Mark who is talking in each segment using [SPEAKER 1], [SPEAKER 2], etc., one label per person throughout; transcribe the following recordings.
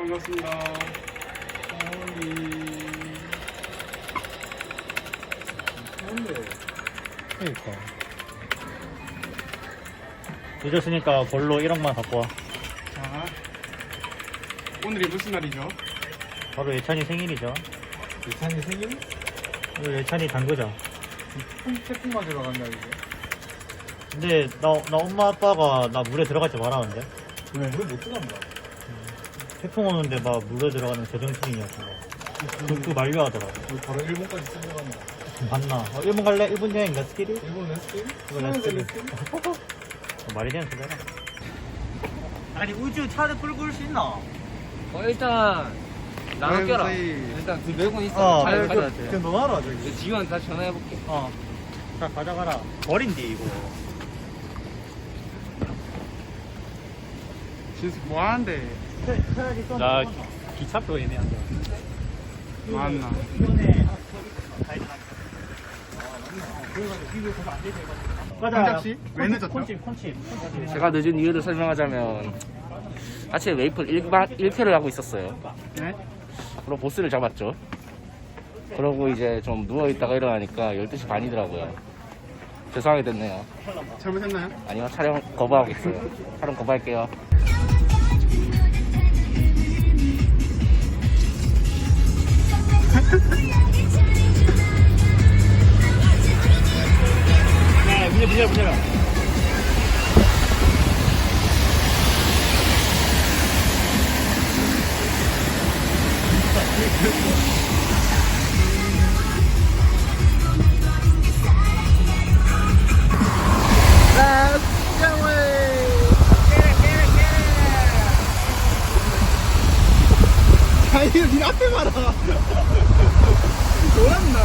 [SPEAKER 1] 반갑습니다.
[SPEAKER 2] 그니까 늦었으니까 볼로 1억만 갖고 와.
[SPEAKER 1] 자, 오늘이 무슨 날이죠?
[SPEAKER 2] 바로 예찬이 생일이죠.
[SPEAKER 3] 예찬이 생일?
[SPEAKER 2] 오늘 예찬이 단거죠.
[SPEAKER 3] 태풍 맞으러 간다 이제.
[SPEAKER 2] 근데 나 엄마 아빠가 나 물에 들어가지 말라는데.
[SPEAKER 3] 왜? 물에 못 들어간다.
[SPEAKER 2] 태풍 오는데 막 물에 들어가는 제정신이었어. 그거 만류하더라.
[SPEAKER 3] 우리 바로 일본까지 쓸려간다.
[SPEAKER 2] 봤나? 일본 갈래? 일본 여행 렛츠기리?
[SPEAKER 3] 일본 레스팅?
[SPEAKER 2] 이거 렛츠기리. 말이 되는 소리야. 아니 우주 차를 끌고 올 수 있나?
[SPEAKER 4] 일단 나눠
[SPEAKER 1] 아이고,
[SPEAKER 4] 껴라.
[SPEAKER 1] 저희.
[SPEAKER 4] 일단 그 매군 있어. 잘 가져야 돼.
[SPEAKER 3] 그냥 너 알아 저기.
[SPEAKER 4] 지원 다 전화해볼게.
[SPEAKER 2] 자 가져가라. 버린디 이거.
[SPEAKER 1] 진수 뭐 하는데?
[SPEAKER 2] 나 기차표 애매한데.
[SPEAKER 1] 맞나? 홍작씨? 왜 늦었죠?
[SPEAKER 2] 콘칩.
[SPEAKER 4] 제가 늦은 이유를 설명하자면 아침에 웨이플 1회를 하고 있었어요.
[SPEAKER 1] 네?
[SPEAKER 4] 그리고 보스를 잡았죠. 그러고 이제 좀 누워있다가 일어나니까 12시 반이더라고요. 죄송하게 됐네요.
[SPEAKER 1] 잘못했나요?
[SPEAKER 4] 아니요, 촬영 거부하겠어요. 촬영 거부할게요.
[SPEAKER 2] 네, 문제.
[SPEAKER 1] 아니, 니 앞에 봐라. 놀았나?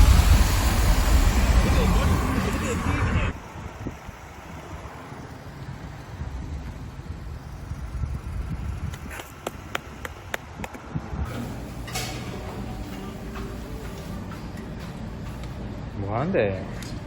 [SPEAKER 4] 뭐 하는데?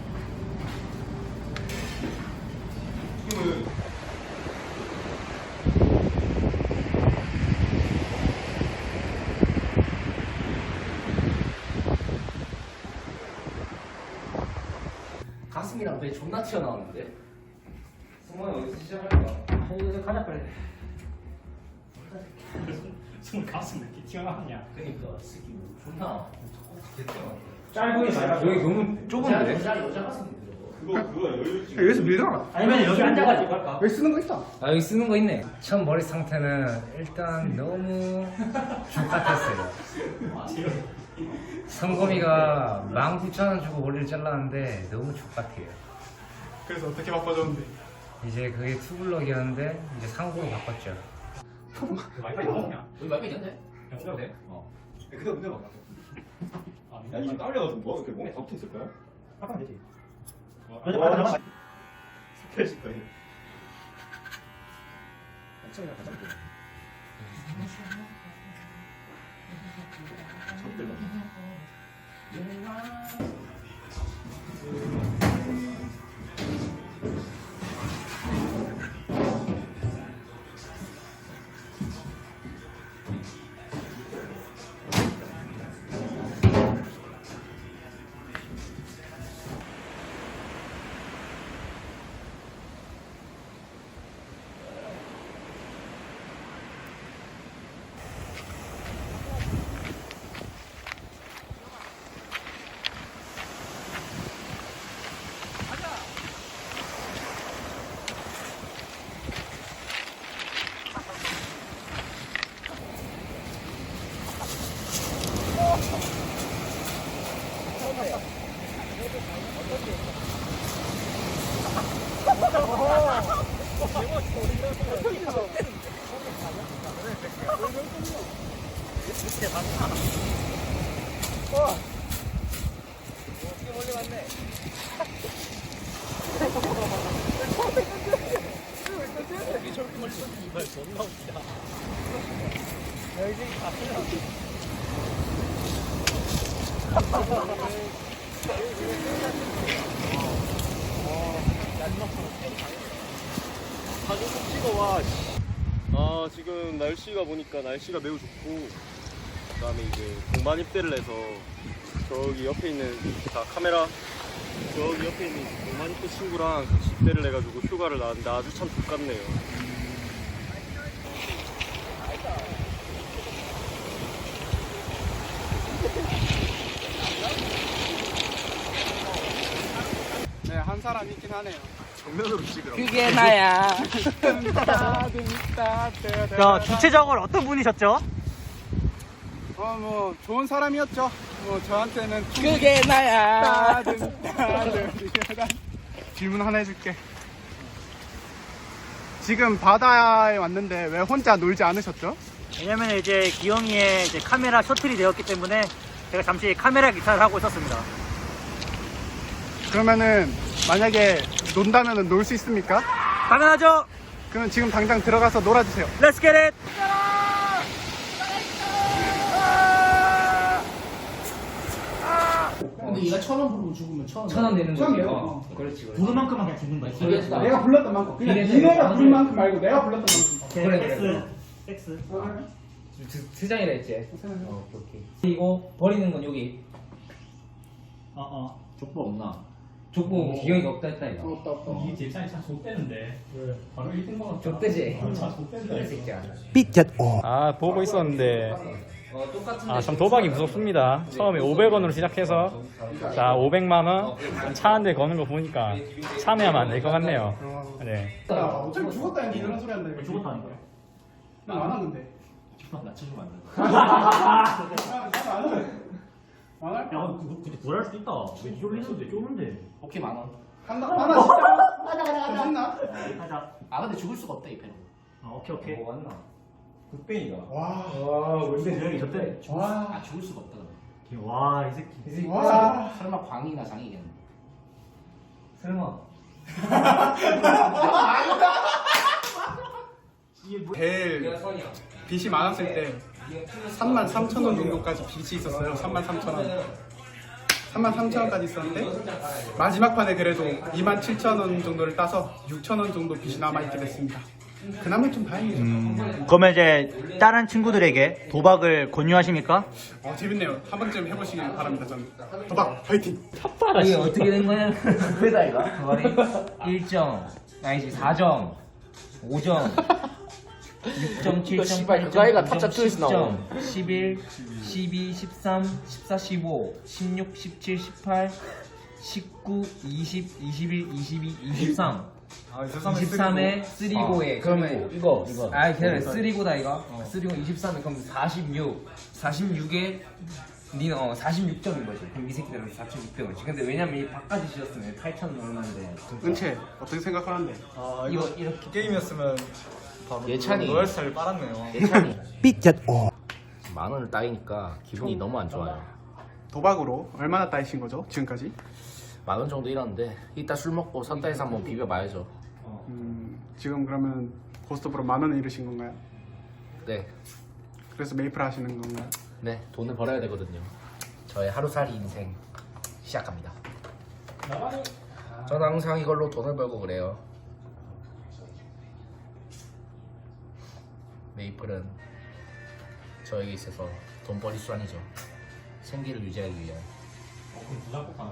[SPEAKER 4] 가슴이랑 배 존나 튀어나오는데? 승모야 어디서 시작할까?
[SPEAKER 2] 이제 가자 빨리. 숨을 가슴 이렇게 튀어나왔냐?
[SPEAKER 4] 그니까 새끼 뭐 존나
[SPEAKER 2] 짧은 게 말고.
[SPEAKER 4] 여기 너무 좁은데?
[SPEAKER 2] 여자 가슴.
[SPEAKER 1] 여기서 밀잖아.
[SPEAKER 2] 아니면 여기 앉아가지고 할까?
[SPEAKER 1] 여기 쓰는 거 있다.
[SPEAKER 4] 아 여기 쓰는 거 있네. 첫 머리 상태는 일단 너무 족같았어요. 성검이가 19,000원 주고 머리를 잘랐는데 너무 족같아요.
[SPEAKER 1] 그래서 어떻게 바꿔줬는데?
[SPEAKER 4] 이제 그게 투블럭이었는데 이제 상고로 바꿨죠.
[SPEAKER 2] 와이파이 나오냐?
[SPEAKER 4] 여기 말고 있는데?
[SPEAKER 2] 그냥 써도 돼?
[SPEAKER 3] 근데 문제 봐. 야 이게 딸려가지고 뭐 이렇게 몸에 다 붙어 있을 거야?
[SPEAKER 2] 하면 되지.
[SPEAKER 3] 잠깐만. 스페이스 거야. 한참이나 가자. 아 지금 날씨가 보니까 날씨가 매우 좋고 그다음에 이제 동반 입대를 해서 저기 옆에 있는 카메라 저기 옆에 있는 동반 입대 친구랑 같이 입대를 해가지고 휴가를 나왔는데 아주 참 좋같네요.
[SPEAKER 1] 네, 한 사람 있긴 하네요.
[SPEAKER 3] 정면으로 찍으라고.
[SPEAKER 4] 그게 나야.
[SPEAKER 2] 자, 주최적으로 어떤 분이셨죠?
[SPEAKER 1] 뭐 좋은 사람이었죠. 뭐 저한테는
[SPEAKER 4] 그게 나야.
[SPEAKER 1] 질문 하나 해줄게. 지금 바다에 왔는데 왜 혼자 놀지 않으셨죠?
[SPEAKER 2] 왜냐면 이제 기영이의 이제 카메라 셔틀이 되었기 때문에 제가 잠시 카메라 기타를 하고 있었습니다.
[SPEAKER 1] 그러면은 만약에 논다면은 놀 수 있습니까?
[SPEAKER 2] 당연하죠.
[SPEAKER 1] 그러면 지금 당장 들어가서 놀아주세요.
[SPEAKER 2] Let's get it.
[SPEAKER 4] 근데 얘가 1,000원 부르고 죽으면 1,000원 내는 거야.
[SPEAKER 1] 처음이에요.
[SPEAKER 4] 그렇지.
[SPEAKER 2] 부른 만큼만 그냥 주는 거야.
[SPEAKER 4] 기계에서
[SPEAKER 1] 내가 불렀던 만큼. 그냥
[SPEAKER 4] 기계에서
[SPEAKER 1] 니네가
[SPEAKER 4] 나오는
[SPEAKER 1] 부른 만큼 말고 내가 불렀던 만큼.
[SPEAKER 4] 그래.
[SPEAKER 2] 섹스.
[SPEAKER 4] 세 장이라 했지. 오케이. 그리고 버리는 건 여기. 족보 없나? 족보 기억이 없다 했다 이거.
[SPEAKER 1] 없다.
[SPEAKER 5] 이 제찬이 참 좆대는데 왜 바로 1등 먹었다.
[SPEAKER 4] 족대지.
[SPEAKER 5] 참 좆대는데.
[SPEAKER 4] 그래 새끼야.
[SPEAKER 2] 아, 보고 있었는데
[SPEAKER 4] 똑같은데.
[SPEAKER 2] 아, 참 도박이 무섭습니다. 처음에 500원으로 시작해서 자, 500만 원 차 한 대 거는 거 보니까 참여하면 안 될 것 같네요. 네.
[SPEAKER 1] 야, 어차피 죽었다는데 이런 소리 한다.
[SPEAKER 2] 죽었다니까.
[SPEAKER 1] 난안 하는데.
[SPEAKER 5] 낮춰주면 안 돼.
[SPEAKER 1] 안 할?
[SPEAKER 5] 야, 근데 구할 수 있다. 왜 쫄리는데 쫄는데?
[SPEAKER 4] 오케이 만 원.
[SPEAKER 1] 한다. 하나 진짜. 좀 신나?
[SPEAKER 2] 하자.
[SPEAKER 4] 아 근데 죽을 수가 없다 이 패는.
[SPEAKER 2] 오케이.
[SPEAKER 4] 뭐 왔나?
[SPEAKER 3] 흑뱅이가.
[SPEAKER 1] 와.
[SPEAKER 2] 근데 저기 저때
[SPEAKER 4] 아 죽을 수가 없다.
[SPEAKER 2] 와, 이 새끼.
[SPEAKER 1] 와.
[SPEAKER 4] 설마 광이나 장이겠네.
[SPEAKER 2] 설마.
[SPEAKER 1] 제일 빚이 많았을 때 33,000원 정도까지 빚이 있었어요. 33,000원. 33,000원까지 있었는데 마지막 판에 그래도 27,000원 정도를 따서 6,000원 정도 빚이 남아있게 됐습니다. 그나마 좀 다행이죠.
[SPEAKER 2] 그러면 이제 다른 친구들에게 도박을 권유하십니까?
[SPEAKER 1] 재밌네요. 한 번쯤 해보시길 바랍니다. 저는 도박 파이팅!
[SPEAKER 4] 이게 어떻게 된 거냐? 그다 이거. 말이 1점, 아니지 4점, 5점, 6점, 7점, 8점, 9점, 10점, 11, 12, 13, 14, 15, 16, 17, 18, 19, 20, 21, 22, 23. 23에 3고에 그러면 이거 아 기다려 3고다 이거 3고 23에 그럼 46에 니는 46점인 거지. 그럼 이 새끼들은 4,600원이지. 근데 왜냐면 이 밥까지 지었으면 8,000 얼마인데.
[SPEAKER 1] 은채 어떻게 생각하는데?
[SPEAKER 4] 이거 이렇게
[SPEAKER 3] 게임이었으면 바로
[SPEAKER 4] 예찬이.
[SPEAKER 3] 로얄스타를 빨았네요.
[SPEAKER 4] 예찬이 삐끗 만 원을 따이니까 기분이 너무 안 좋아요.
[SPEAKER 1] 도박으로 얼마나 따이신 거죠? 지금까지?
[SPEAKER 4] 만 원 정도 잃었는데 이따 술 먹고 선다에서 한번 비벼봐야죠.
[SPEAKER 1] 지금 그러면 고스톱으로 10,000원을 잃으신 건가요?
[SPEAKER 4] 네,
[SPEAKER 1] 그래서 메이플 하시는 건가요?
[SPEAKER 4] 네 돈을 벌어야 되거든요. 저의 하루살이 인생 시작합니다. 저는 항상 이걸로 돈을 벌고 그래요. 메이플은 저에게 있어서 돈벌이 수단이죠. 생계를 유지하기 위한.
[SPEAKER 5] 그럼 부자국